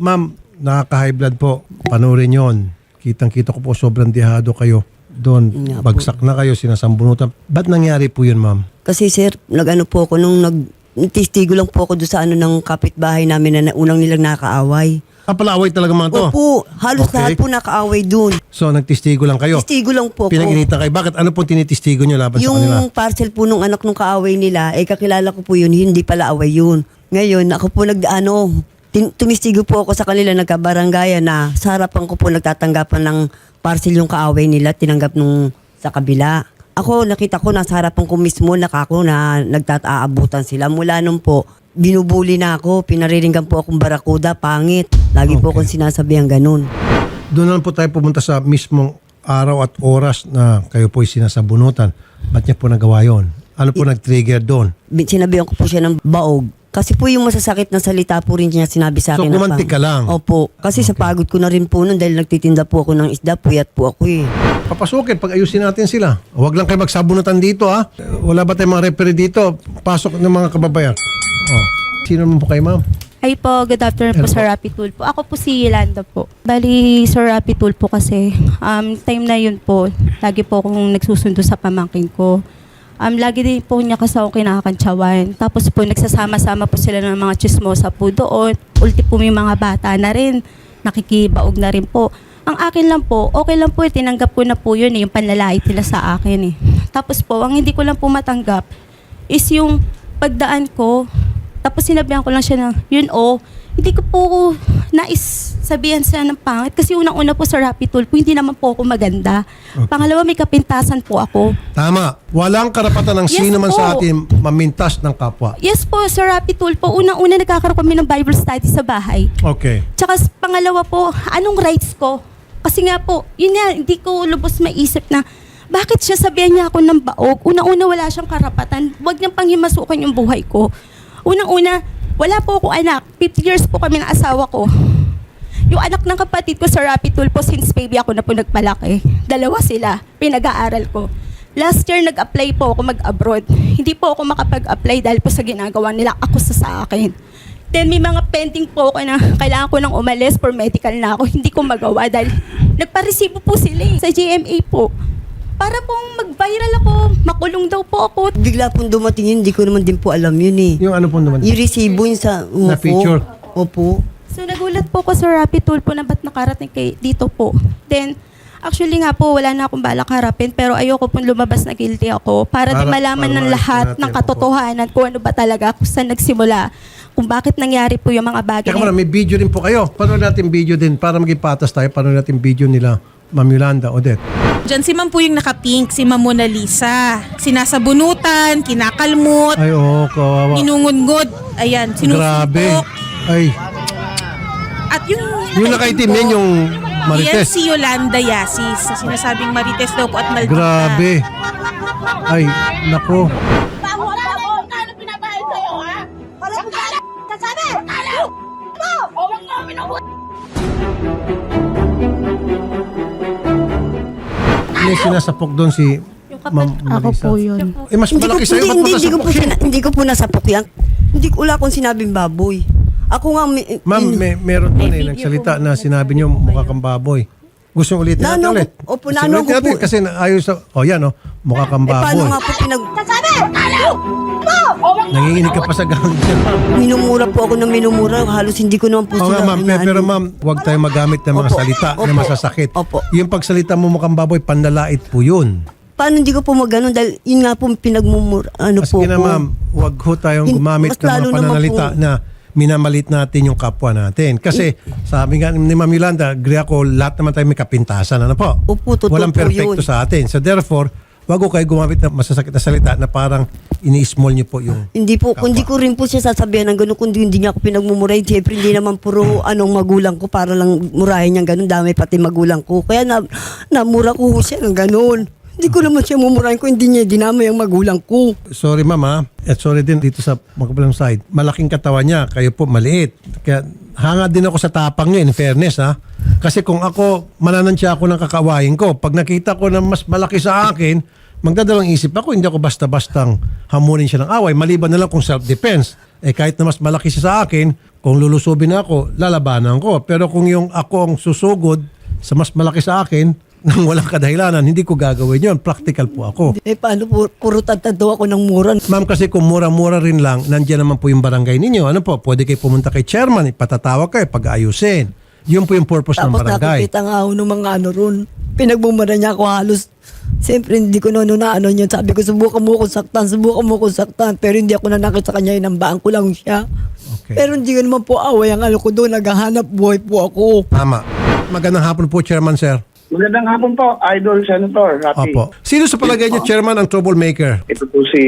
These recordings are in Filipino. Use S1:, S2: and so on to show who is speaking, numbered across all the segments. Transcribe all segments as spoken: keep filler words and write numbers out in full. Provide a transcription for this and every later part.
S1: Ma'am, nakaka-high blood po. Panoorin yon. Kitang-kita ko po sobrang dehado kayo. Doon,
S2: Nga po.
S1: bagsak na kayo, sinasambunutan. Ba't nangyari po yun, ma'am?
S2: Kasi sir, nag-ano po ako nung nag tistigo lang po ako doon sa ano ng kapitbahay namin na na- unang nilang nakaaway.
S1: Ah, pala-away talaga mga to?
S2: Opo, halos
S1: Okay.
S2: lahat po nakaaway doon.
S1: So, nagtistigo lang kayo?
S2: Tistigo lang po ako.
S1: Pinag-initan kayo. Bakit? Ano po tinitistigo nyo laban sa kanila?
S2: Yung parcel po nung anak nung kaaway nila, eh kakilala ko po yun, hindi pala away yun. Ngayon, ako po nag, ano, tin- tumistigo po ako sa kanila, nagkabaranggayan na sa harapan ko po nagtatanggapan ng parcel yung kaaway nila, tinanggap nung sa kabila. Ako, nakita ko, nasa harapan ko mismo, nakako na nagtataabutan sila. Mula nung po, binubuli na ako, pinariringgan po akong barakuda, pangit. Lagi po
S1: Okay.
S2: akong sinasabihan ganun.
S1: Doon na lang po tayo pumunta sa mismong araw at oras na kayo po'y sinasabunutan. Ba't niya po nagawa yun? Ano po nag-trigger doon?
S2: Bin- Sinabihan ko po siya ng baog. Kasi po yung masasakit na salita po rin niya sinabi sa
S1: So,
S2: akin. na
S1: gumanti
S2: pang-
S1: ka lang?
S2: Opo. Kasi sa pagod ko na rin po nun dahil nagtitinda po ako ng isda, puyat po ako eh.
S1: Papasukin, pag-ayusin natin sila. Huwag lang kayo magsabunutan dito, ha? Wala ba tayong mga referee dito? Pasok ng mga kababayan. Oh. Sino naman po kayo, ma'am?
S3: Hi po, good afternoon po
S1: Hello
S3: Sir
S1: po.
S3: Rapi Tulfo. Ako po si Yolanda po. Bali, Sir Rapi Tulfo kasi, um, time na yun po, lagi po akong nagsusundo sa pamangkin ko. Um, lagi din po niya kasi ako kinakantsawan. Tapos po, nagsasama-sama po sila ng mga chismosa po doon. Ulti po may mga bata na rin, nakikibaog na rin po. Ang akin lang po, okay lang po, eh, tinanggap ko na po yun, eh, yung panlalait nila sa akin. Eh. Tapos po, ang hindi ko lang po matanggap is yung pagdaan ko. Tapos sinabihan ko lang siya na, yun o, hindi ko po nais sabihan siya ng pangit. Kasi unang-una po sa Rapi Tulfo, hindi naman po ako maganda.
S1: Okay.
S3: Pangalawa, may kapintasan po ako.
S1: Tama. Walang karapatan ng
S3: Yes
S1: sino man
S3: po.
S1: sa atin mamintas ng kapwa.
S3: Yes po, Sir Rapi Tulfo, unang-una nagkakaroon kami ng Bible study sa bahay.
S1: Okay.
S3: Tsaka pangalawa po, anong rights ko? Kasi nga po, yun nga, hindi ko lubos maisip na bakit siya sabihan niya ako ng baog? Unang-una, wala siyang karapatan. Huwag niyang panghimasukan yung buhay ko. Unang-una, wala po akong anak. fifty years po kami ng asawa ko. Yung anak ng kapatid ko sa Rapi Tulfo, since baby ako na po nagpalaki. Dalawa sila, pinag-aaral ko. Last year, nag-apply po ako mag-abroad. Hindi po ako makapag-apply dahil po sa ginagawa nila ako sa sa akin. Then may mga pending po ako na kailangan ko nang umalis for medical na ako. Hindi ko magawa dahil nagparesibo po sila eh, sa G M A po. Para pong mag-viral ako, makulong daw po ako.
S2: Bigla pong dumating yun, hindi ko naman din po alam yun eh.
S1: Yung ano po naman?
S2: Yung resibo yun sa
S1: Na
S2: opo.
S1: picture?
S2: Opo.
S3: So nagulat po ko sa Rapi Tulfo na ba't nakarating kay dito po. Then, actually nga po, wala na akong balak harapin pero ayoko pong lumabas na guilty ako para,
S1: Para-
S3: di malaman
S1: para
S3: ng
S1: maayos
S3: lahat
S1: natin.
S3: ng katotohanan kung ano ba talaga, kung saan nagsimula, kung bakit nangyari po yung mga bagay.
S1: Teka muna, may video din po kayo. Panood natin video din para maging patas tayo. Panood natin video nila, Ma'am Yolanda, Odette.
S4: Diyan si Ma'am po yung naka-pink, si Ma'am Mona Lisa. Sinasabunutan, kinakalmot,
S1: Ay, oo, kawawa.
S4: inungungod, ayan,
S1: Grabe.
S4: sinusuntok.
S1: Ay,
S4: At yung,
S1: yung nakaitim yan yung
S4: Yan
S1: Marites.
S4: si Yolanda Yasis. Sa sinasabing Marites daw po at maldita.
S1: Grabe. Ay, nako.
S5: Bago wala ako, kano pinabayad sa'yo, ha? Wala ko kala! Kasabi! Kala! Mo! O, wag mo, minuhut!
S1: May sinasapok doon si
S3: Yung kapatid,
S1: Ma'am
S3: ako
S1: Marisa.
S3: po yun.
S1: Eh, mas
S2: Hindi ko,
S1: malaki sa'yo.
S2: hindi,
S1: Ba't
S2: hindi, hindi, ko
S1: masasapok
S2: po,
S1: yun?
S2: sina- hindi ko po nasapok yan. Hindi ko, wala akong sinabing baboy. Ako nga, may,
S1: Ma'am,
S2: in-
S1: may, meron doon eh, nagsalita na sinabi niyo mukha kang baboy. Gusto ulitin natin
S2: Nano-
S1: ulit?
S2: Opo,
S1: Gusto
S2: nano
S1: ulitin
S2: ko
S1: natin
S2: po.
S1: kasi na- ayos sa... Oh, yan oh. Mukha kang
S2: eh, paano
S1: baboy.
S2: nga po pinag...
S5: Kasabi! Kala! Mo! O, wag mo,
S1: Nanginginig ka pa sa gang dyan, ma'am.
S2: Minumura po ako ng minumura. Halos hindi ko naman po
S1: Oo nga,
S2: sila...
S1: ma'am. Pe-
S2: inaano.
S1: Pero ma'am, huwag tayong magamit ng mga
S2: Opo,
S1: salita na
S2: opo,
S1: masasakit.
S2: opo.
S1: Yung pagsalita mo mukhang baboy, panlalait po yun.
S2: Paano hindi ko po magano dahil yun nga po pinagmumura... Ano
S1: Kasi
S2: po
S1: na
S2: ko.
S1: ma'am, huwag ho tayong
S2: Hin-
S1: gumamit
S2: mas
S1: ng mga
S2: lalo naman
S1: pananalita
S2: po-
S1: na minamalit natin yung kapwa natin. Kasi sabi nga ni Ma'am Yolanda, agree ako, lahat naman tayo may kapintasan. Ano po?
S2: Opo, totoo
S1: Walang
S2: po
S1: perfecto
S2: yun.
S1: sa atin. So therefore, wag ko kayo gumamit ng masasakit na salita na parang ini-small niyo po yung...
S2: Hindi po,
S1: kapwa.
S2: kundi ko rin po siya sasabihan ng gano'n, kundi hindi niya ako pinagmumuray. Siyempre, hindi naman puro anong magulang ko para lang murahin niyang gano'n. Dami pati magulang ko. Kaya na, namura ko siya ng gano'n. Hindi ko naman siya mumurahin ko, hindi niya dinamay ang magulang ko.
S1: Sorry ma'am ha. At sorry din dito sa magkabilang side. Malaking katawan niya, kayo po maliit. Kaya hanga din ako sa tapang niyo in fairness ha. Kasi kung ako, mananansya ako ng kakawain ko. Pag nakita ko na mas malaki sa akin, magdadalawang isip ako, hindi ako basta-bastang hamunin siya ng away. Maliban na lang kung self-defense. Eh kahit na mas malaki siya sa akin, Kung lulusubin ako, lalabanan ko. Pero kung yung ako ang susugod sa mas malaki sa akin, nang walang kadahilanan, hindi ko gagawin yon. Practical po ako.
S2: Eh, paano po, puro tatado ako ng mura.
S1: Ma'am, kasi kung mura-mura rin lang, nandiyan naman po yung barangay ninyo. Ano po, pwede kayo pumunta kay chairman, ipatatawag kayo, pag-ayusin. Yun po yung purpose ng
S2: Tapos
S1: barangay.
S2: nakikita nga ako ng mga ano ron. Pinagbumara niya ako halos. Siyempre, hindi ko noon na ano yun. Sabi ko, subukan mo kung saktan, subukan mo kung saktan. Pero hindi ako nanakit sa kanya, inambaan ko lang siya.
S1: Okay.
S2: Pero hindi ko naman po away. Ang ano ko doon, naghahanap buhay po ako.
S1: Tama. Magandang hapon po, chairman, sir.
S6: Magandang hapon po, Idol Senator Rafi.
S1: Opo. Sino sa palagay niyo, chairman, ang troublemaker?
S6: Ito po si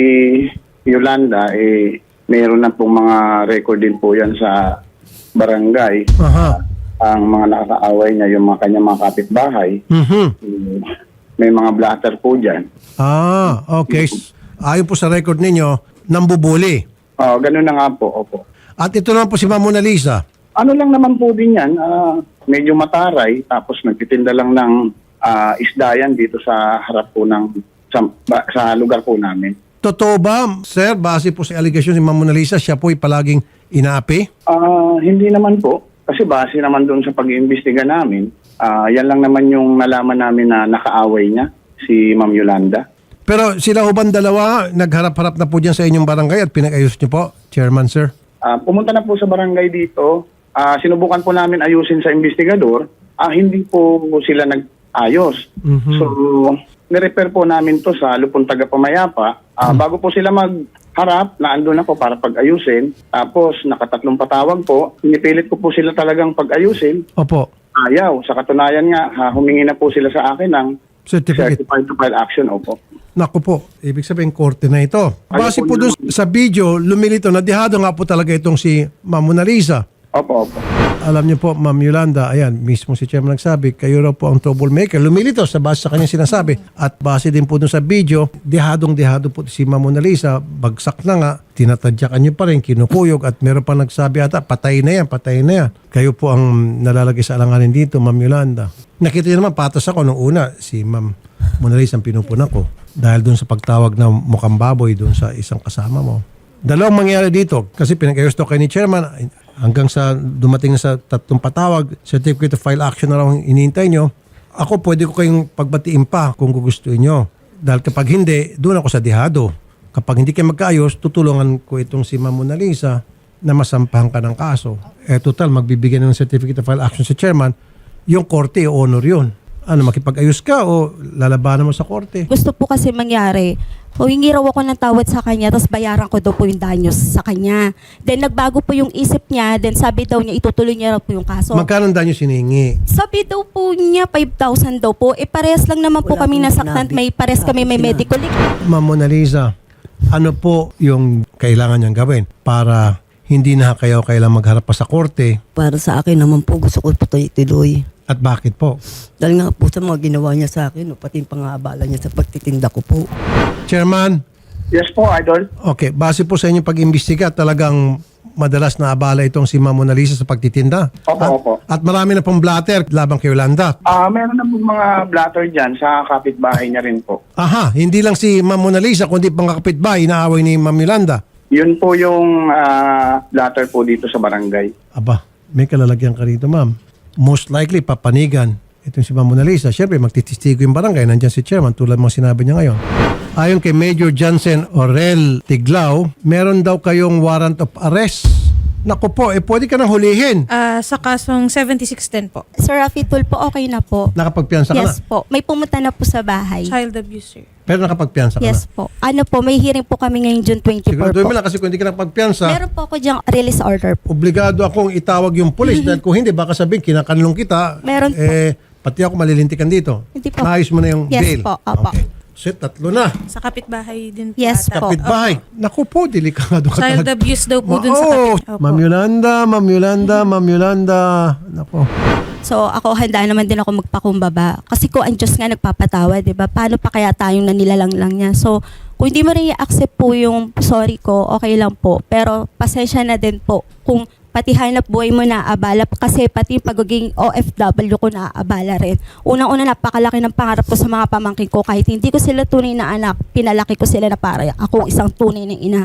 S6: Yolanda, eh, mayroon na pong mga record din po yan sa barangay.
S1: Aha.
S6: Ang mga nakakaaway niya, yung mga kanyang mga kapitbahay,
S1: Mhm.
S6: eh, may mga blatter po dyan.
S1: Ah, okay. Ayon po sa record ninyo, nambubuli.
S6: Oh, ganun na nga po, opo.
S1: At ito na po si Ma'am Mona Lisa.
S6: Ano lang naman po din yan, ah, medyo mataray, tapos nagtitinda lang ng ah, isda yan dito sa harap po ng, sa, ba- sa lugar po namin.
S1: Totoo ba, sir, base po sa allegation ni Ma'am Mona Lisa, siya po ay palaging inaapi?
S6: Ah, hindi naman po. Kasi base naman doon sa pag-iimbestiga namin, ah, yan lang naman yung nalaman namin na nakaaway niya, si Ma'am Yolanda.
S1: Pero sila uban dalawa, nagharap-harap na po dyan sa inyong barangay at pinag-ayos niyo po, chairman, sir?
S6: Ah, pumunta na po sa barangay dito. Ah, sinubukan po namin ayusin sa investigador. Ah, hindi po sila nag-ayos.
S1: Mhm.
S6: So, nirepair po namin to sa Lupon Tagapamayapa. Ah, bago po sila magharap, naandun na po para pag-ayusin. Tapos, nakatatlong patawag po. Pinipilit ko po sila talagang pag-ayusin.
S1: Opo.
S6: Ayaw. Sa katunayan nga, ha, humingi na po sila sa akin ng
S1: Certificate.
S6: certified to file action. Opo.
S1: Naku po, ibig sabihin korte na ito. Base
S6: Ayun
S1: po
S6: po
S1: doon sa video, lumilito na dihado nga po talaga itong si Ma'am Mona Lisa.
S6: Opo, opo.
S1: Alam niyo po, Ma'am Yolanda, ayan, mismo si Chairman nagsabi, kayo raw po ang troublemaker. Lumilito sa base sa kanyang sinasabi. At base din po dun sa video, dihadong-dihado po si Ma'am Mona Lisa, bagsak na nga, tinatadyakan niyo pa rin, kinukuyog, at meron pa nagsabi ata, patay na yan, patay na yan. Kayo po ang nalalagay sa alanganin dito, Ma'am Yolanda. Nakita niyo naman, patas ako nung una, si Ma'am Mona Lisa ang pinupuna ko. Dahil dun sa pagtawag ng mukhang baboy dun sa isang kasama mo. Dalawang mangyari dito, kasi pinag-ayos to kay ni Chairman, hanggang sa dumating na sa tatlong patawag, certificate of file action na raw ang iniintay nyo, ako pwede ko kayong pagbatiin pa kung gugustuhin nyo. Dahil kapag hindi, doon ako sa dihado. Kapag hindi kayo magkaayos, tutulungan ko itong si Ma'am Mona Lisa na masampahan ka ng kaso. Eh total, magbibigyan ng certificate of file action sa chairman, yung korte, honor yun. Ano, makipag-ayos ka o lalabanan mo sa korte?
S3: Gusto po kasi mangyari, humingi raw ako ng tawad sa kanya, tapos bayaran ko daw po yung danyos sa kanya. Then nagbago po yung isip niya, then sabi daw niya itutuloy niya raw po yung kaso.
S1: Magkano ang danyo siningi?
S3: Sabi daw po niya five thousand daw po. Eh pares lang naman po
S2: Wala
S3: kami
S2: pong
S3: nasaktan,
S2: sinabi.
S3: may pares kami may
S2: Sinabi.
S3: medical.
S1: Ma'am Mona Lisa, ano po yung kailangan niyang gawin para hindi na kayo kailang magharap pa sa korte
S2: Para sa akin naman po, gusto ko po tuloy.
S1: at bakit po?
S2: Dahil nga po sa mga ginawa niya sa akin, no, pati yung pang-aabala niya sa pagtitinda ko po.
S1: Chairman,
S6: Yes po, Idol.
S1: okay, base po sa inyong pag-imbestiga, talagang madalas na abala itong si Ma'am Mona Lisa sa pagtitinda.
S6: Opo,
S1: at,
S6: opo.
S1: At marami na pong blatter labang kay Yolanda.
S6: Ah, meron na po mga blatter dyan sa kapitbahay niya rin po.
S1: Aha, hindi lang si Ma'am Mona Lisa, kundi pang kapitbahay, inaaway ni Ma'am Yolanda.
S6: Yun po yung ah, blatter po dito sa barangay.
S1: Aba, may kalalagyan ka rito, ma'am. Most likely, papanigan. Itong si Ma'am Mona Lisa. Siyempre, magtitistigo yung barangay. Nandyan si Chairman, tulad mga sinabi niya ngayon. Ayon kay Major Johnson Orel Tiglao, meron daw kayong warrant of arrest. Naku po, eh pwede ka nang hulihin.
S4: Ah, sa kasong seventy-six ten po.
S3: Sir Rafi Tul po, okay na po.
S1: Nakapagpiansa ka
S3: Yes
S1: na.
S3: po. May pumunta na po sa bahay.
S4: Child abuser.
S1: Pero nakapagpiansa ka
S3: Yes
S1: na.
S3: po. Ano po, may hearing po kami ngayong June twenty-four
S1: Siguraduhin
S3: po.
S1: mo lang kasi kung hindi ka nakapagpiansa,
S3: Meron po ako dyang release order po.
S1: obligado akong itawag yung pulis dahil kung hindi, baka sabihin, kinakanlong kita.
S3: Meron po.
S1: Eh, pati ako malilintikan dito.
S3: Hindi po.
S1: Maayos mo na yung
S3: Yes
S1: bail.
S3: po, opo.
S1: Okay. So, tatlo na.
S4: Sa kapitbahay din po.
S3: Yes
S4: ata.
S3: po.
S1: Kapitbahay. Naku po, delikado ka
S4: Child
S1: talaga.
S4: abuse daw po
S1: Ma-
S4: dun sa
S1: oh,
S4: kapit. Opo.
S1: Ma'am Yolanda, Ma'am Yolanda, Ma'am Yolanda. Naku.
S3: So ako handa naman din ako magpakumbaba. Kasi kung ang Diyos nga nagpapatawa, di ba? Paano pa kaya tayong nanilalang lang niya? So kung hindi mo rin i-accept po yung sorry ko, okay lang po. Pero pasensya na din po kung pati hanap buhay mo na abala kasi pati yung pagiging O F W ko na abala rin. Unang-una napakalaki ng pangarap ko sa mga pamangkin ko kahit hindi ko sila tunay na anak, pinalaki ko sila na para ako isang tunay na ina.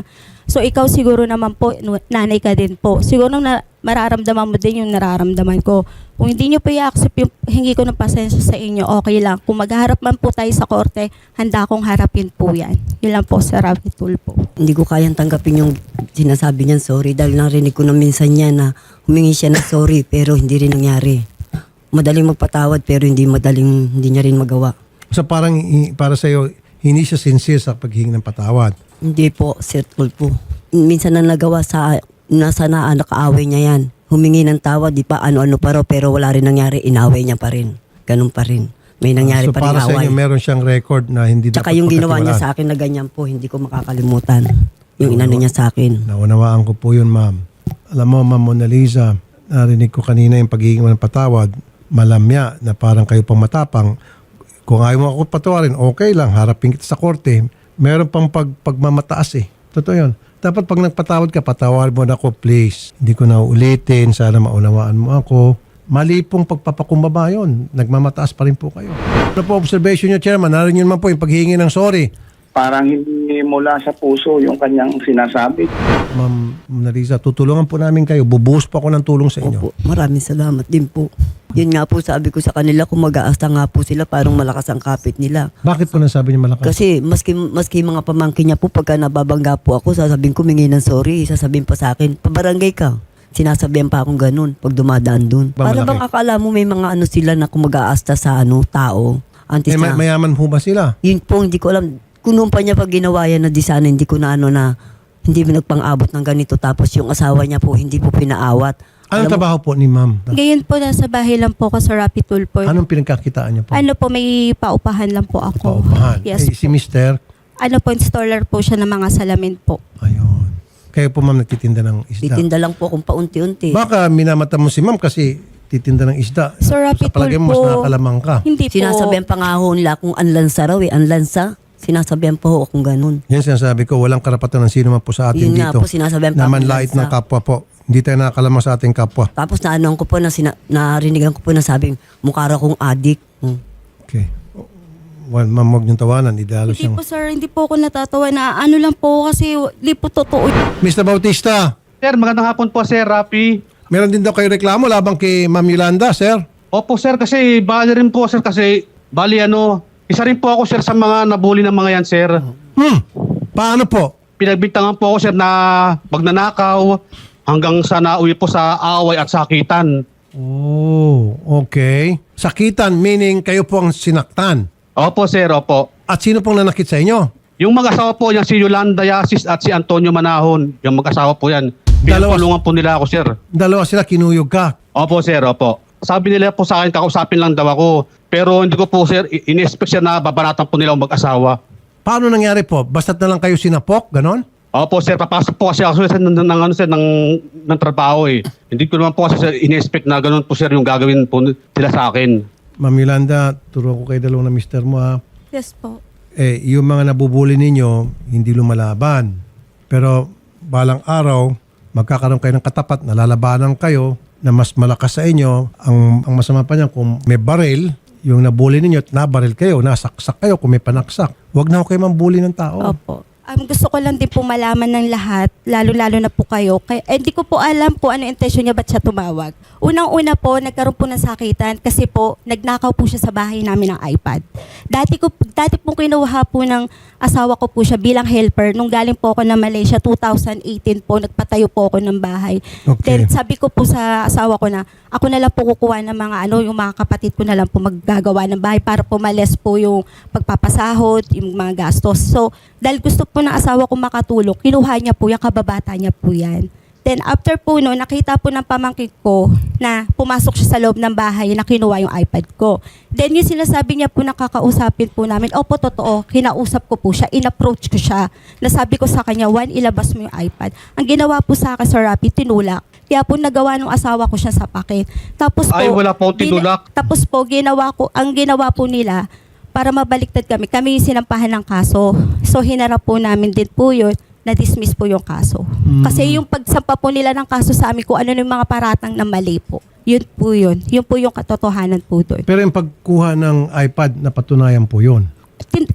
S3: So ikaw siguro naman po, nu- nanay ka din po. Siguro na mararamdaman mo din yung nararamdaman ko. Kung hindi nyo po i-accept yung hingi ko ng pasensya sa inyo, okay lang. Kung magharap man po tayo sa korte, handa akong harapin po yan. Yun lang po, Sir Rafi Tulfo.
S2: Hindi ko kayang tanggapin yung sinasabi niyan sorry dahil narinig ko na minsan niya na humingi siya ng sorry pero hindi rin nangyari. Madaling magpatawad pero hindi madaling hindi niya rin magawa.
S1: So parang i- para sa iyo hindi siya sincere sa paghingi ng patawad.
S2: Hindi po, Sir Tulfo. Minsan na nagawa sa nasa na nakaaway niya yan. Humingi ng tawad, di pa ano-ano pa raw, pero wala rin nangyari, inaway niya pa rin. Ganun pa rin. May nangyari
S1: so
S2: pa rin
S1: para sa
S2: away.
S1: inyo meron siyang record na hindi
S2: Tsaka
S1: dapat
S2: yung ginawa niya
S1: pagkatiwalaan.
S2: sa akin na ganyan po, hindi ko makakalimutan. Yung inano niya sa akin.
S1: Naunawaan ko po yun, ma'am. Alam mo, ma'am Mona Lisa, narinig ko kanina yung pagiging mo ng patawad, malamya na parang kayo pang matapang. Kung ayaw mo ako patawarin, okay lang, harapin kita sa korte. Meron pang pag, pagmamataas eh. Totoo yun. Dapat pag nagpatawad ka, patawarin mo na ako, please. Hindi ko na uulitin, sana maunawaan mo ako. Mali pong pagpapakumbaba yun. Nagmamataas pa rin po kayo. Ano po observation niyo, Chairman? Narinig niyo naman po yung paghingi ng sorry.
S6: Parang hindi mula sa puso yung kanyang sinasabi.
S1: Ma'am Narisa, tutulungan po namin kayo. Bubuhos po ako ng tulong sa inyo.
S2: Opo, maraming salamat din po. Yun nga po sabi ko sa kanila, kung mag-aasta nga po sila, parang malakas ang kapit nila.
S1: Bakit po nasabi niyo malakas?
S2: Kasi maski, maski mga pamangkin niya po, pagka nababangga po ako, sasabihin ko, mingi ng sorry, sasabihin pa sa akin, pabarangay ka. Sinasabihan pa akong ganun pag dumadaan dun.
S1: Ba,
S2: Para
S1: malaki?
S2: bang akala mo may mga ano sila na kung mag-aasta sa ano, tao. Antes
S1: Eh, may-
S2: na,
S1: mayaman po ba sila?
S2: yun po, hindi ko alam. Kung noon pa niya pag ginawa yan na di sana, hindi ko na ano na, hindi mo nagpang-abot ng ganito. Tapos yung asawa niya po, hindi po pinaawat.
S1: Anong
S2: Alam mo,
S1: trabaho po ni ma'am?
S3: Ngayon po, nasa bahay lang po ako sa Rafi Tulfo.
S1: Anong pinagkakitaan niyo po?
S3: Ano po, may paupahan lang po ako.
S1: Paupahan.
S3: Yes.
S1: Eh, si mister,
S3: Ano po, installer po siya ng mga salamin po.
S1: ayun. Kayo po ma'am nagtitinda ng isda.
S2: titinda lang po akong paunti-unti.
S1: Baka minamata mo si ma'am kasi titinda ng isda.
S3: Sir Rafi
S1: Sa palagay mo mas
S3: Tulfo,
S1: nakakalamang ka.
S3: Hindi po.
S2: Sinasabihan pa nga ho nila kung anlansa raw eh, anlansa. Sinasabihan pa ho akong ganun.
S1: Yan sinasabi ko, walang karapatan ng sino man po sa atin
S2: Yun nga
S1: dito.
S2: po, sinasabihan pa
S1: na
S2: ako
S1: manlait
S2: ng
S1: ng kapwa po. Hindi tayo nakakalamang sa ating kapwa.
S2: Tapos naanoan ko po na sina, narinigan ko po na sabing mukha raw kong adik. Hmm.
S1: Okay. Well, ma'am, huwag niyong tawanan. Idalo
S3: Hindi
S1: siyang...
S3: po sir, hindi po ako natatawa na ano lang po kasi hindi po totoo.
S1: mister Bautista,
S7: Sir, magandang hapon po, Sir Rafi.
S1: meron din daw kayo reklamo labang kay Ma'am Yolanda, sir.
S7: Opo, Sir, kasi bali rin po, Sir, kasi bali ano, isa rin po ako, Sir, sa mga nabully ng mga yan, Sir.
S1: Hmm. Paano po?
S7: Pinagbintangan po ako, Sir, na magnanakaw hanggang sa nauwi po sa away at sakitan.
S1: Oh, okay. Sakitan, meaning kayo po ang sinaktan.
S7: Opo, Sir, opo.
S1: At sino pong nanakit sa inyo?
S7: Yung mag-asawa po yan, si Yolanda Yasis at si Antonio Manahon, yung mag-asawa po yan.
S1: Dalawa.
S7: Pinapulungan po nila ako, Sir.
S1: Dalawa sila, kinuyog ka.
S7: Opo, Sir, opo. Sabi nila po sa akin, kakausapin lang daw ako. Pero hindi ko po, Sir, i- in-expect siya na babaratan po nila ang mag-asawa.
S1: Paano nangyari po? Basta't na lang kayo sinapok, ganon?
S7: Opo, Sir, papasok po kasi ako sir, ng, ng, ng, ano, sir, ng, ng trabaho eh. Hindi ko naman po kasi, Sir, in-expect na ganun po, Sir, yung gagawin po sila sa akin.
S1: Ma'am Yolanda, turuan ko kayo dalawang na mister mo ha.
S3: Yes po.
S1: Eh, yung mga nabubuli ninyo, hindi lumalaban. Pero balang araw, magkakaroon kayo ng katapat, nalalabanan kayo na mas malakas sa inyo. Ang, ang masama pa niyan, kung may baril, yung nabuli ninyo at nabaril kayo, nasaksak kayo kung may panaksak. Huwag na ho kayo mambuli ng tao.
S3: Opo. Um, gusto ko lang din po malaman ng lahat, lalo-lalo na po kayo. Kaya, eh, hindi ko po alam po ano intensyon niya, ba't siya tumawag. Unang-una po, nagkaroon po ng sakitan kasi po, nagnakaw po siya sa bahay namin ng iPad. Dati, ko, dati po kinuha po ng asawa ko po siya bilang helper. Nung galing po ako na Malaysia, two thousand eighteen po, nagpatayo po ako ng bahay.
S1: Okay.
S3: Then sabi ko po sa asawa ko na, ako na lang po kukuha ng mga ano, yung mga kapatid ko na lang po maggagawa ng bahay para po males po yung pagpapasahod, yung mga gastos. So, dahil gusto po ng asawa ko makatulong, kinuha niya po yung kababata niya po yan. Then after po no, nakita po ng pamangkin ko na pumasok siya sa loob ng bahay na kinuha yung iPad ko. Then yung sinasabi niya po nakakausapin po namin, opo totoo, kinausap ko po siya, in-approach ko siya. Nasabi ko sa kanya, Juan, ilabas mo yung iPad. Ang ginawa po sa akin, Sir Rafi, tinulak. Kaya po nagawa ng asawa ko siya sa pakin. Tapos po,
S7: Ay, wala po akong tinulak.
S3: gina- tapos po, ginawa ko, ang ginawa po nila, para mabaliktad kami, kami yung sinampahan ng kaso. So hinarap po namin din po yun, na-dismiss po yung kaso. Kasi yung pagsampa po nila ng kaso sa amin, kung ano yung mga paratang na mali po. Yun po yun. Yun po yung katotohanan po doon.
S1: Pero yung pagkuha ng iPad, napatunayan po yun.
S3: Tin-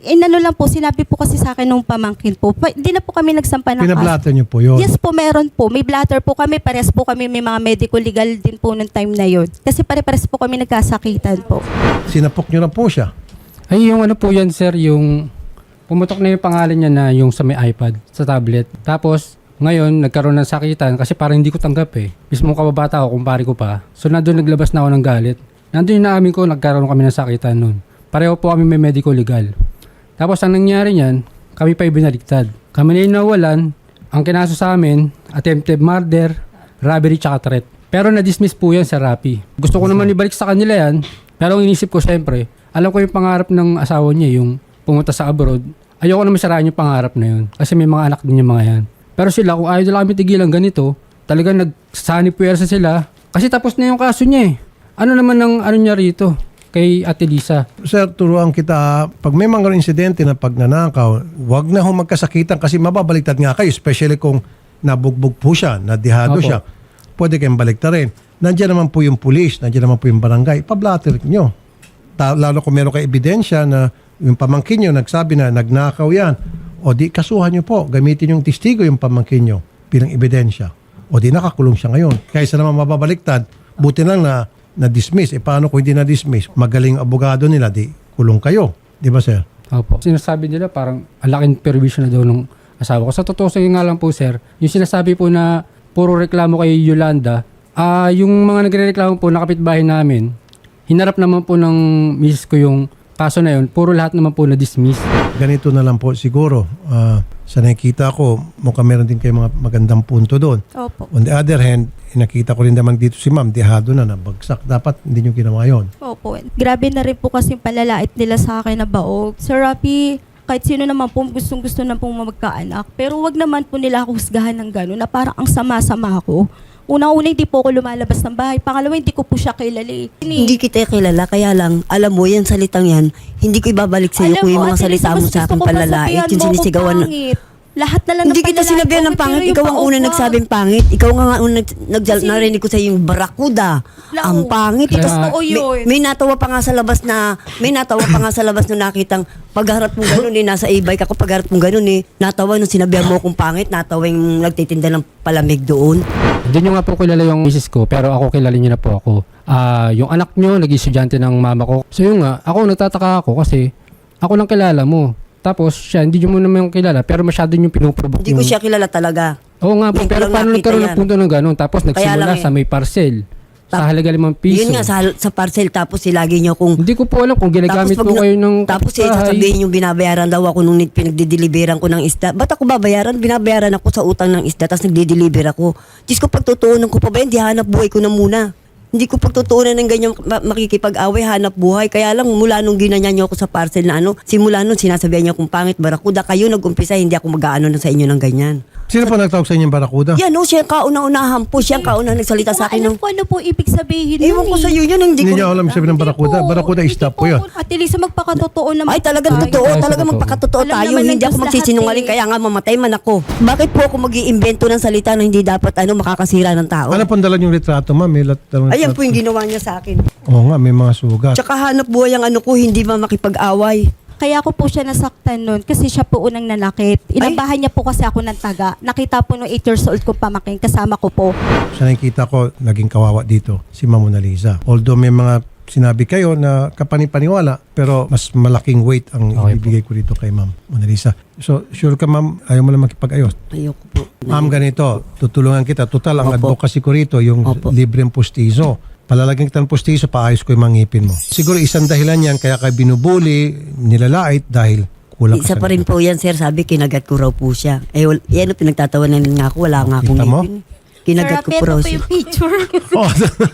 S3: inano lang po, sinabi po kasi sa akin nung pamangkin po. Pa- Hindi na po kami nagsampa ng kaso.
S1: Pinablatter niyo po yun.
S3: Yes po, meron po. May blatter po kami. Pares po kami. May mga medical legal din po nung time na yun. Kasi pare-pares po kami nagkasakitan po.
S1: Sinapok niyo na po siya.
S8: Ay, yung ano po yan, sir, yung pumutok na yung pangalan niya na yung sa may iPad, sa tablet. Tapos, ngayon, nagkaroon ng sakitan kasi parang hindi ko tanggap eh. Mismo kababata ako, kumpare ko pa. So, nandun naglabas na ako ng galit. Nandun yung naamin ko, nagkaroon kami ng sakitan nun. Pareho po kami may medical legal. Tapos, ang nangyari niyan, kami pa ibinaligtad. Kami na yung nawalan, ang kinaso sa amin, attempted murder, robbery, tsaka threat. Pero na-dismiss po yan sa Rappi. Gusto ko naman ibalik sa kanila yan, pero ang inisip ko syempre, alam ko yung pangarap ng asawa niya, yung pumunta sa abroad. Ayoko naman saraan yung pangarap na yun. Kasi may mga anak din yung mga yan. Pero sila, kung ayaw nila kami tigilan ganito, talagang nagsani puwersa sila. Kasi tapos na yung kaso niya eh. Ano naman ang ano niya rito kay Ate Lisa?
S1: Sir, turuan kita, pag may mga insidente na pagnanakaw, wag na ho magkasakitan kasi mababaliktad nga kayo, especially kung nabugbog po siya, nadihado
S8: Opo.
S1: siya. Pwede kayong baliktarin. Nandiyan naman po yung pulis, nandiyan naman po yung barangay, pablatter nyo. Ta- lalo kung meron kayo ebidensya na yung pamangkin nyo nagsabi na nagnakaw yan, o di kasuhan nyo po, gamitin yung testigo yung pamangkin nyo bilang ebidensya. O di nakakulong siya ngayon. Kaysa naman mababaliktad, buti lang na na-dismiss. E paano kung hindi na-dismiss? Magaling abogado nila, di kulong kayo. Di ba, sir?
S8: Opo. Sinasabi nila parang ang laking permission na daw ng asawa ko. Sa totoo sa nga lang po, sir, yung sinasabi po na puro reklamo kay Yolanda, ah yung mga nagre-reklamo po na kapitbahay namin, hinarap naman po ng misis ko yung kaso na yun, puro lahat naman po na-dismiss.
S1: Ganito na lang po siguro. Ah, sa nakikita ko, mukhang meron din kayo mga magandang punto doon.
S3: Opo.
S1: On the other hand, nakita ko rin naman dito si ma'am, dihado na, nabagsak. Dapat hindi nyo ginawa yun.
S3: Opo. Grabe na rin po kasi yung palalait nila sa akin na baog. Sir Rapi, kahit sino naman po gustong gusto na pong magkaanak. Pero wag naman po nila ako husgahan ng gano'n na parang ang sama-sama ko. Unang-una, hindi po ako lumalabas ng bahay. Pangalawa, hindi ko po siya kilala eh.
S2: Hindi kita kilala, kaya lang, alam mo, yan salitang yan, hindi ko ibabalik sa iyo
S3: Alam
S2: kung yung
S3: mo,
S2: mga
S3: Ate
S2: salita
S3: Lisa,
S2: mo
S3: mas
S2: sa
S3: gusto
S2: akin
S3: ko pa
S2: palalait,
S3: sabihan
S2: yung
S3: mo ako
S2: sinisigawan. na-
S3: pangit. Lahat na lang
S2: Hindi
S3: ng
S2: kita
S3: palalait
S2: sinabihan
S3: ko,
S2: ng
S3: pero
S2: pangit,
S3: yung
S2: ikaw ang
S3: baog
S2: unang
S3: ka.
S2: nagsabing pangit. Ikaw nga nga unang nag-
S3: Kasi-
S2: narinig ko sa yung barakuda.
S3: Lao.
S2: Ang pangit.
S8: Kaya-
S2: Tapos
S3: Totoo
S2: may,
S3: yun.
S2: may natawa pa nga sa labas na, may natawa pa nga sa labas nung nakitang pagharap mong ganun eh, nasa e-bike ako, pagharap mong ganun eh, natawa nung sinabihan mo akong pangit, natawa yung nagtitinda ng palamig doon.
S8: Hindi nyo nga po kilala yung misis ko, pero ako kilala niyo na po ako. Ah, yung anak nyo, naging estudyante ng mama ko. So yun nga, ako nagtataka ako kasi ako lang kilala mo. Tapos siya, hindi nyo mo naman kilala, pero masyado nyo pinuprovoke
S2: Hindi ko
S8: yung-
S2: siya kilala talaga.
S8: Oo nga po,
S2: Hindi ko
S8: pero
S2: lang
S8: paano
S2: nakita
S8: nagkaroon ng
S2: yan.
S8: punto ng gano'n? Tapos
S2: Kaya
S8: nagsimula
S2: lang eh.
S8: sa may parcel. Sa
S2: Tap-
S8: halaga limang piso.
S2: Yun nga, sa, sa parcel, tapos si lagi niyo kung
S8: Hindi ko po alam kung ginagamit
S2: pag
S8: po
S2: na-
S8: kayo ng
S2: Tapos eh,
S8: kapitbahay.
S2: sasabihin yung binabayaran daw ako nung pinagdideliveran ko ng isda. Ba't ako babayaran? Binabayaran ako sa utang ng isda tapos nagdideliver ako. Diyos ko, pagtutuunan ko pa ba yan? Di hanap buhay ko na muna. Hindi ko pagtutuunan ng ganyan ma- makikipag-away, hanap buhay. Kaya lang, mula nung ginanyan niyo ako sa parcel na ano, simula nung sinasabihan niyo akong pangit, barakuda, kayo nag-umpisa, hindi ako mag-aano na sa inyo ng ganyan.
S1: Sino po nagtawag sa inyo yung barakuda?
S2: Yan, no, siya ang kauna-unahan po. Siya ang kauna nagsalita sa akin.
S3: Alam
S2: Nung,
S3: ko ano po ibig sabihin
S2: ewan
S3: nun
S2: ko
S3: eh.
S2: sa iyo yun, hindi,
S1: Hindi
S2: ko.
S1: niyo alam sabihin ng barakuda.
S3: Hindi po.
S1: Barakuda is stop po
S3: Hindi
S1: yun.
S3: Ate Lisa, magpakatotoo naman.
S2: Ay, talagang
S3: tayo.
S2: totoo.
S8: Ay, sa
S2: Talagang
S8: totoo.
S2: magpakatotoo
S3: Alam
S2: tayo.
S3: naman ng
S2: Hindi ako
S3: Diyos
S2: magsisinungaling.
S3: lahat eh.
S2: Kaya nga mamatay man ako. Bakit po ako mag-iimbento ng salita na hindi dapat ano makakasira ng tao?
S1: Ano pong dala yung retrato, ma'am? May lat- dalawang
S2: Ayan
S1: retrato.
S2: po yung ginawa niya sa akin.
S1: Oo nga, may mga sugat.
S2: Tsaka hanap buhay ang ano ko, hindi ba makipag-away.
S3: Kaya ako po siya nasaktan nun kasi siya po unang nanakit. Inabahan niya po kasi ako ng taga. Nakita po nung eight years old ko pamaking kasama ko po.
S1: Sa nakikita ko, naging kawawa dito, si Ma'am Mona Lisa. Although may mga sinabi kayo na kapanipaniwala, pero mas malaking weight ang
S8: Okay
S1: ibibigay ko dito kay Ma'am Mona Lisa. So, sure ka ma'am, ayaw mo lang makipag-ayos.
S2: Ayoko po.
S1: Ma'am, ganito, tutulungan kita. Total, ang
S2: Opo.
S1: advocacy ko rito, yung
S2: Opo.
S1: libreng pustiso. Palalagyan kita ng pustiso, paayos ko yung mga ngipin mo. Siguro isang dahilan yan, kaya kayo binubuli, nilalait, dahil kulang ka
S2: Isa
S1: sa
S2: pa rin po yan, sir. Sabi, kinagat ko raw po siya. Eh, wal- yan ang pinagtatawanan nga ako. Wala nga akong
S1: Kita mo?
S2: ngipin. Kinagat ko
S3: Sir,
S2: po raw
S3: ito po
S2: siya.
S3: yung picture.
S1: Oh,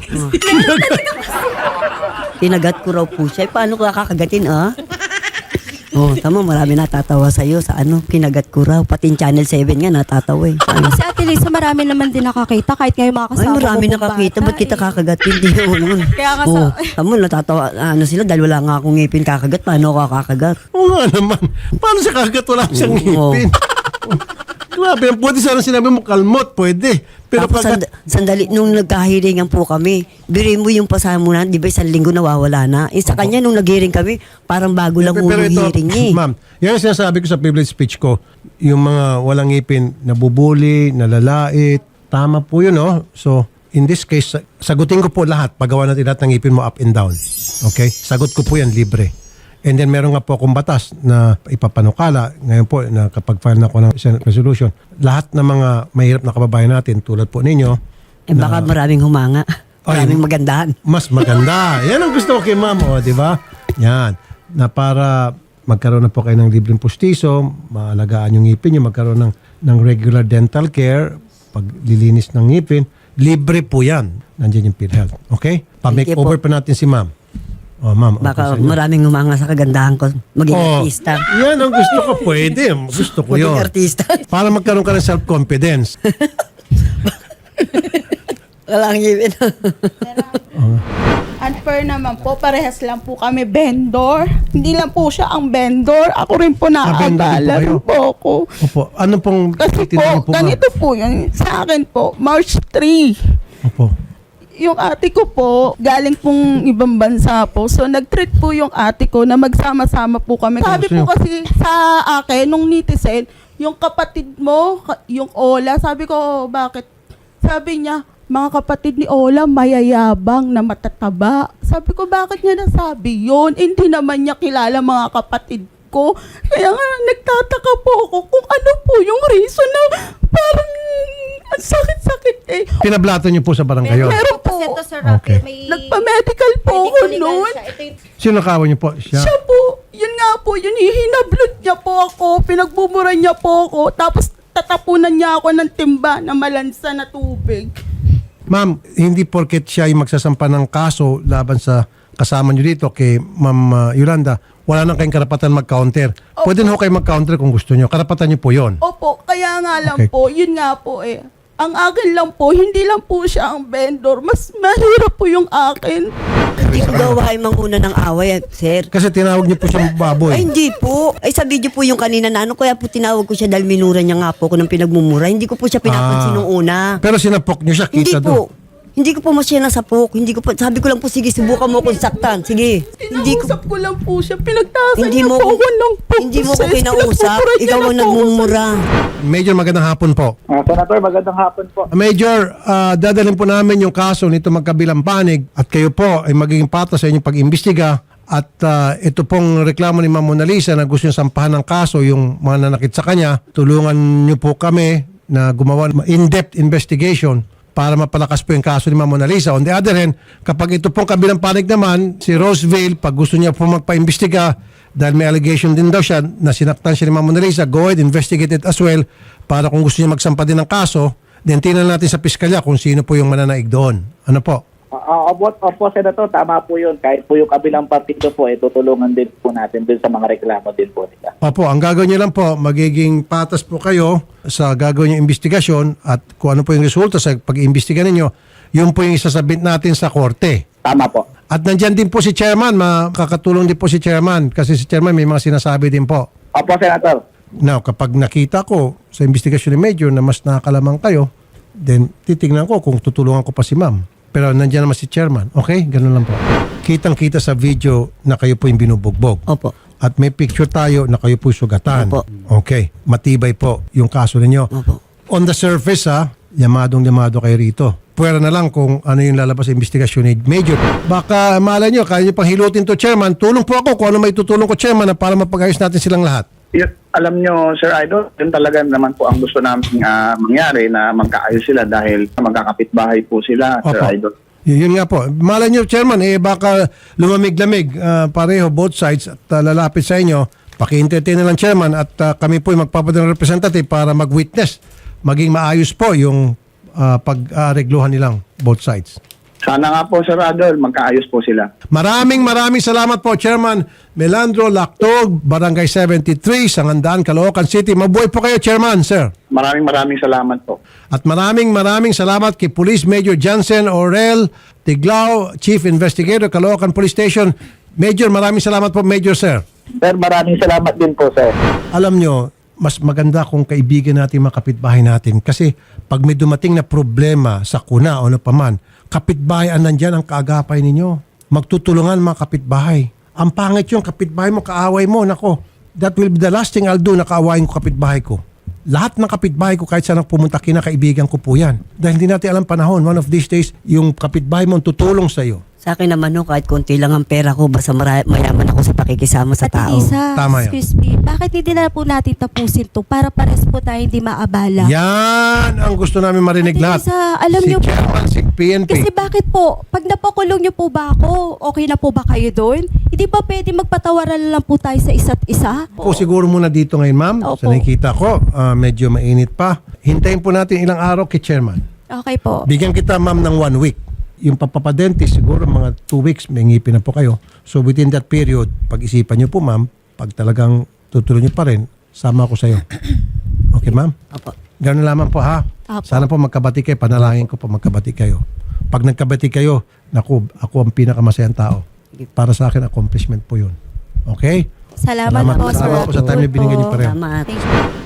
S2: Kinagat ko raw po siya. Eh, paano ko kakagatin, ah? Oh, tama, marami natatawa sa'yo sa ano, kinagat ko raw. Pati yung Channel seven nga natatawa eh. Ano?
S3: Kasi Ate Lisa, marami naman din nakakita kahit ngayon mga
S2: Ay,
S3: kasama
S2: marami
S3: ko pong
S2: nakakita.
S3: bata
S2: Ba't kita
S3: eh.
S2: kakagatin? Di mo nun.
S3: Kaya nga
S2: Oh,
S3: sa-
S2: tamo, natatawa. Ano sila, dahil wala nga akong ngipin kakagat. Paano ako kakagat?
S1: Oo nga naman. Paano siya kagat wala siyang
S2: Oo.
S1: ngipin? Grabe, pwede sana sinabi mo, kalmot, pwede. Pero
S2: Tapos
S1: pag...
S2: sand- sandali, nung nagkahiringan po kami, birin mo yung pasahan mo na, di ba isang linggo nawawala na. Eh, sa kanya, nung naghiring kami, parang bago lang
S1: Pero
S2: unang
S1: ito,
S2: hearing niya eh.
S1: ma'am, yan ang sinasabi ko sa privilege speech ko. Yung mga walang ngipin, nabubuli, nalalait, tama po yun, no? So, in this case, sa- sagutin ko po lahat. Pagawa natin lahat ng ngipin mo up and down. Okay? Sagot ko po yan, libre. And then meron nga po akong batas na ipapanukala. Ngayon po, na kapag file na ako ng Senate resolution, lahat ng mga mahirap na kababayan natin, tulad po ninyo,
S2: Eh, baka maraming humanga.
S1: Ay,
S2: Maraming magandahan.
S1: mas maganda. Yan ang gusto ko kay ma'am, o, di ba? Yan. Na para magkaroon na po kayo ng libreng pustiso, maalagaan yung ngipin nyo, magkaroon ng, ng regular dental care, paglilinis ng ngipin, libre po yan. Nandiyan yung PhilHealth. Okay? Pa-make
S2: Thank you
S1: over pa natin si ma'am. O, ma'am. okay
S2: Baka
S1: sa inyo.
S2: maraming humanga sa kagandahan ko. Maging
S1: Oh,
S2: artista.
S1: yan ang gusto ko. Pwede. Gusto ko
S2: Maging
S1: yun.
S2: artista.
S1: Para magkaroon ka ng self-confidence.
S2: Walang ngipin.
S9: Unfair naman po, parehas lang po kami vendor. Hindi lang po siya ang vendor. Ako rin po
S1: vendor din po
S9: nakakabala
S1: kayo?
S9: rin po ako.
S1: Opo. Ano pong
S9: Kasi
S1: titinda niyo
S9: po,
S1: po, ma'am?
S9: ganito po yun. Sa akin po, March third.
S1: Opo.
S9: Yung ate ko po, galing pong ibang bansa po. So, nag-treat po yung ate ko na magsama-sama po kami. Sabi
S1: gusto niyo?
S9: po kasi sa akin, nung netizen, yung kapatid mo, ka- yung Ola, sabi ko, "Oh, bakit?" Sabi niya, mga kapatid ni Ola, mayayabang na matataba. Sabi ko, bakit niya nasabi yun? Hindi naman niya kilala mga kapatid ko. Kaya nga, nagtataka po ako kung ano po yung reason na parang ang sakit-sakit eh.
S1: Pinablato niyo po sa barangay yun?
S9: Meron po.
S3: Kasi ito, Sir Rocky,
S1: Okay.
S3: may...
S9: Nagpa-medical po ako
S3: medical legal
S9: noon.
S3: siya. Ito yung
S1: Sino kawan niyo po? Siya.
S9: Siya po, yun nga po, yun, hinablot niya po ako, pinagbubura niya po ako, tapos tatapunan niya ako ng timba na malansa na tubig.
S1: Ma'am, hindi porket siya yung magsasampa ng kaso laban sa kasama niyo dito kay Ma'am uh, Yolanda, wala nang kayong karapatan mag-counter. Pwede na ho kayo mag-counter kung gusto niyo. Karapatan niyo po yon.
S9: Opo, kaya nga lang
S1: Okay.
S9: po, yun nga po eh. Ang akin lang po, hindi lang po siya ang vendor, mas mahirap po yung akin.
S2: Hindi ko gawain manguna ng away, sir.
S1: Kasi tinawag niyo po siyang baboy.
S2: Ay, hindi po. Ay, sa video po yung kanina na ano, kaya po tinawag ko siya dahil minura niya nga po ako ng pinagmumura. Hindi ko po siya pinapansin
S1: Ah.
S2: nung una.
S1: Pero sinapok niyo siya,
S2: Hindi
S1: kita
S2: po.
S1: doon.
S2: Hindi ko po masya nasapok. Hindi ko po, sabi ko lang po, sige, subukan mo kung saktan. Sige. Hindi ko,
S9: Kinausap ko lang po siya, pinagtasan
S2: hindi
S9: niya
S2: mo
S9: po
S2: ko,
S9: ako ng poses.
S2: hindi mo ko kinausap.
S9: Pinagmumura niya
S2: Ikaw
S9: na
S2: ang
S9: po ako.
S2: nagmumura.
S1: Major, magandang hapon po.
S6: Ah, Senator, magandang hapon po.
S1: Major, ah, dadalhin po namin yung kaso nito magkabilang panig at kayo po ay magiging patas sa inyong pag-imbestiga at ah, ito pong reklamo ni Ma'am Mona Lisa na gusto niya sampahan ng kaso yung mga nanakit sa kanya, tulungan niyo po kami na gumawa ng in-depth investigation para mapalakas po yung kaso ni Ma'am Mona Lisa. On the other hand, kapag ito pong kabilang panig naman, si Roseville, pag gusto niya po magpa-imbestiga, dahil may allegation din daw siya na sinaktan siya ni Ma'am Mona Lisa, go ahead, investigate it as well para kung gusto niya magsampa din ng kaso, then tingnan natin sa piskalya kung sino po yung mananaig doon. Ano po?
S10: Uh, opo, opo, Senator, tama po yun. Kahit po yung kabilang partido po, eh, tutulungan din po natin dun sa mga reklamo din po nila.
S1: Opo, ang gagawin niyo lang po, magiging patas po kayo sa gagawin yung investigasyon at kung ano po yung resulta sa pag-iimbestiga ninyo, yun po yung isasabit natin sa korte.
S10: Tama po.
S1: At nandyan din po si Chairman, makakatulong din po si Chairman kasi si Chairman may mga sinasabi din po.
S10: Opo, Senator.
S1: Now, kapag nakita ko sa investigasyon ni Major na mas nakakalamang kayo, then titignan ko kung tutulungan ko pa si Ma'am. Pero nandiyan naman si Chairman. Okay? Ganun lang po. Kitang-kita sa video na kayo po yung binubugbog.
S2: Opo.
S1: At may picture tayo na kayo po sugatan.
S2: Opo.
S1: Okay. Matibay po yung kaso ninyo.
S2: Opo.
S1: On the surface ha, yamadong-yamado kayo rito. Pwera na lang kung ano yung lalabas sa investigasyon ni Major. Baka malay nyo, kaya nyo pang hilutin to Chairman. Tulong po ako kung ano may tutulong ko Chairman na para mapag-ayos natin silang lahat.
S6: Yun, alam nyo, Sir Idol, yun talaga naman po ang gusto namin ah, mangyari na magkaayos sila dahil magkakapitbahay po sila, Sir
S1: Opo.
S6: Idol.
S1: Y- Yun nga po. Malay nyo, Chairman, eh baka lumamig-lamig ah, pareho, both sides at ah, lalapit sa inyo. Paki-entertain na lang, Chairman, at ah, kami po ay magpapadala ng representative para mag-witness. Maging maayos po yung ah, pag-aregluhan nilang both sides.
S6: Sana nga po, Sir Idol, magkaayos po sila.
S1: Maraming maraming salamat po, Chairman Melandro Lactog, Barangay seventy-three, Sangandaan, Caloocan City. Mabuhay po kayo, Chairman, sir.
S6: Maraming maraming salamat po.
S1: At maraming maraming salamat kay Police Major Jansen Orel Tiglao, Chief Investigator, Caloocan Police Station. Major, maraming salamat po, Major, sir.
S10: Sir, maraming salamat din po, sir.
S1: Alam nyo, mas maganda kung kaibigan natin mga kapitbahay natin. Kasi pag may dumating na problema sa kuna o ano paman, kapitbahay ang nandyan ang kaagapay ninyo. Magtutulungan mga kapitbahay. Ang pangit yung kapitbahay mo, kaaway mo, nako. That will be the last thing I'll do na kaawayin ko kapitbahay ko. Lahat ng kapitbahay ko kahit saan pumunta, kinakaibigan ko po yan. Dahil hindi natin alam panahon. One of these days, yung kapitbahay mo ang tutulong sa iyo.
S2: Sa akin naman no, kahit konti lang ang pera ko, basta mara- mayaman ako sa pakikisama sa
S3: Ate
S2: tao.
S3: Lisa,
S1: Tama yan.
S3: excuse me, bakit hindi na po natin tapusin to para pares po tayo hindi maabala?
S1: Yan ang gusto namin marinig
S3: Ate
S1: lahat.
S3: Lisa, alam
S1: si
S3: niyo po-
S1: Chairman, si P N P.
S3: Kasi bakit po, pag napakulong niyo po ba ako, okay na po ba kayo doon? Hindi ba pwede magpatawaran lang po tayo sa isa't isa?
S1: Po siguro muna dito ngayon, ma'am.
S3: Opo.
S1: Sa nakikita ko, ah, medyo mainit pa. Hintayin po natin ilang araw kay Chairman.
S3: Okay po.
S1: Bigyan kita, ma'am, ng one week. Yung papapadente, siguro mga two weeks, may ngipin na po kayo. So within that period, pag-isipan niyo po, ma'am, pag talagang tutuloy niyo pa rin, sama ako sa iyo. Okay, ma'am?
S2: Opo.
S1: Ganun lamang po, ha?
S3: Opo.
S1: Sana po magkabati kayo. Panalangin ko po magkabati kayo. Pag nagkabati kayo, naku, ako ang pinakamasayang tao. Para sa akin, accomplishment po yun. Okay?
S3: Salamat, po, sir.
S1: Salamat po sa time na binigyan niyo pareho.
S2: Tama.
S3: Thank you.